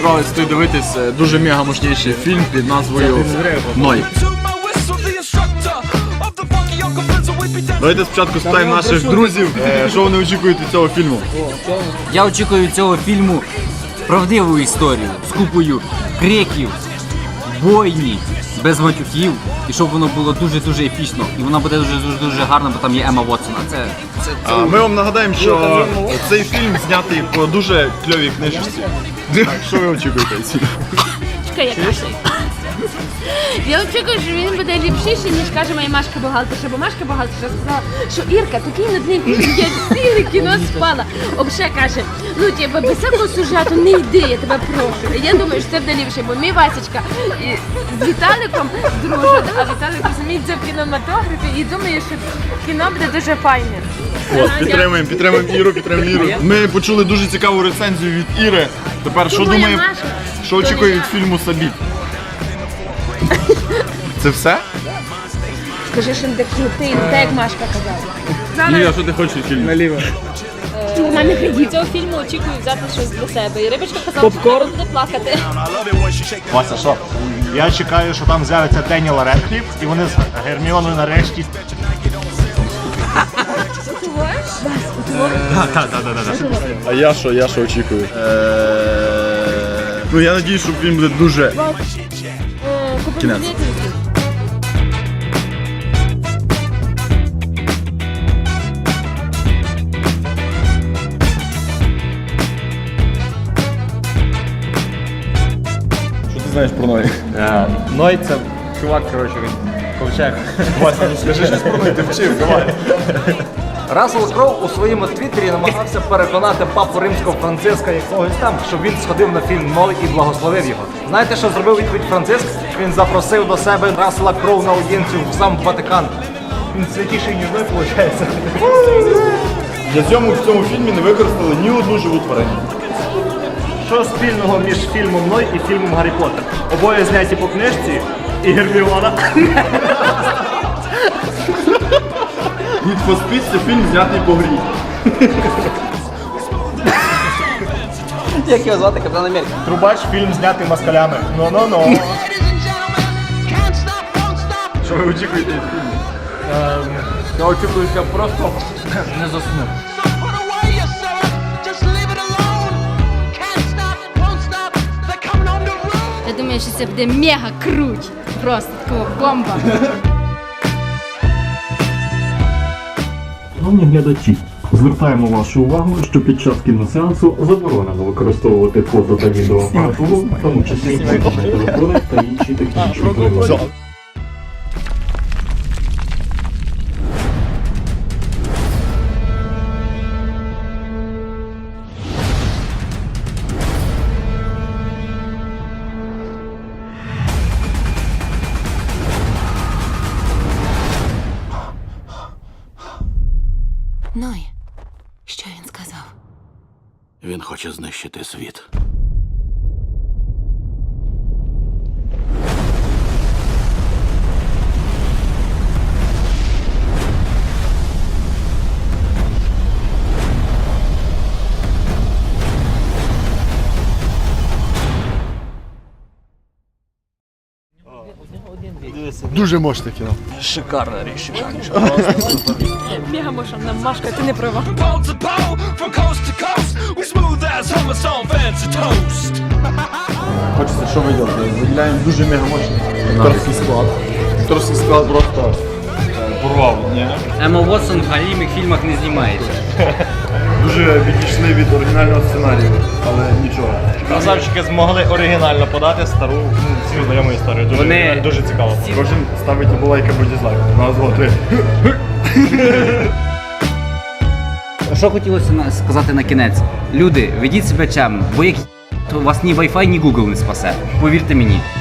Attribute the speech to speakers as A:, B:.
A: справді стоїть дивитись дуже мега мощніший фільм під назвою «Ной». Давайте спочатку спитаємо наших друзів, що вони очікують від цього фільму.
B: Я очікую від цього фільму правдиву історію з купою криків, бойні, без матюків, і щоб воно було дуже-дуже епічно. І воно буде дуже гарно, бо там є Емма Уотсона.
A: Ми вам нагадаємо, що цей фільм знятий по дуже кльовій книжці. Що ви очікуєте від фільму?
C: Чекай, як кашляй. Я очікую, що він буде ліпшіший, ніж каже моя Машка бухгалтерша, бо Машка бухгалтерша сказала, що Ірка такий нудний фільм, я ціле кіно спала. Обше каже, ну типа без всякого сюжету не йди, я тебе прошу. Я думаю, що це буде ліпше, бо мій Васечка з Віталиком дружить, а Віталик розуміється в кінематографі і думає, що кіно буде дуже файне.
A: Підтримуємо Іру. Ми почули дуже цікаву рецензію від Іри. Тепер що думає, що очікує від фільму Сабіт? Це все?
C: Скажи, що не крутий, так як Машка казала.
A: Ні, а що ти хочеш від фільму?
D: Наліво.
C: У мене ходів.
E: Цього фільму очікую взяти щось для себе. І Рибочка казала, що вона буде плакати.
F: Вася, що? Я чекаю, що там з'явиться Деніел Редкліф, і вони з Герміоною нарешті.
A: А я що очікую? Ну я надіюсь, що фільм буде дуже... Кінець. Що ти знаєш про Ной?
F: Ной це чувак, коротше, він ковчег.
A: Вася, ну скажи щось про Ной, ти вчив, давай.
G: Рассел Кроу у своєму твіттері намагався переконати папу римського Франциска якогось там, щоб він сходив на фільм «Ной» і благословив його. Знаєте, що зробив відповідь Франциск? Він запросив до себе Рассела Кроу на аудієнцію в сам Ватикан.
F: Він святіший, ніж Ной, виходить.
A: Для зйомок в цьому фільмі не використали ні одну живу тварину.
F: Що спільного між фільмом «Ной» і фільмом «Гаррі Поттер»? Обоє зняті по книжці і Герміона.
A: Need for Speed – це фільм знятий по грі.
G: Як його звати, Капітан Америка?
F: Трубач фільм знятий москалями. Ну.
A: Що ви очікуєте від фільму?
B: Я очікую, що я просто не засну.
C: Я думаю, що це буде мега круть. Просто такого бомба.
H: Шановні глядачі, звертаємо вашу увагу, що під час кіносеансу заборонено використовувати фото та відеоапаратуру, в тому числі мобільні телефони та інші технічні прилади.
C: Ной, що він сказав?
I: Він хоче знищити світ.
A: Дуже мощне кіно.
B: Шикарне рішення.
E: Мега мошана Машка, ти не права.
A: Хочеться, що ви робите? Виділяємо дуже мега мощний акторський склад. Акторський склад просто порвав, ні?
B: Емма Уотсон в галімих фільмах не знімається.
A: Дуже відійшли від оригінального сценарію, але нічого.
F: Красавчики змогли оригінально подати стару, всім знайому історію. Дуже цікаво.
A: Кожен ставить або лайк, або дизлайк. На два, три.
B: Що хотілося сказати на кінець? Люди, ведіть себе чемно, бо як у вас ні Wi-Fi, ні Google не спасе. Повірте мені.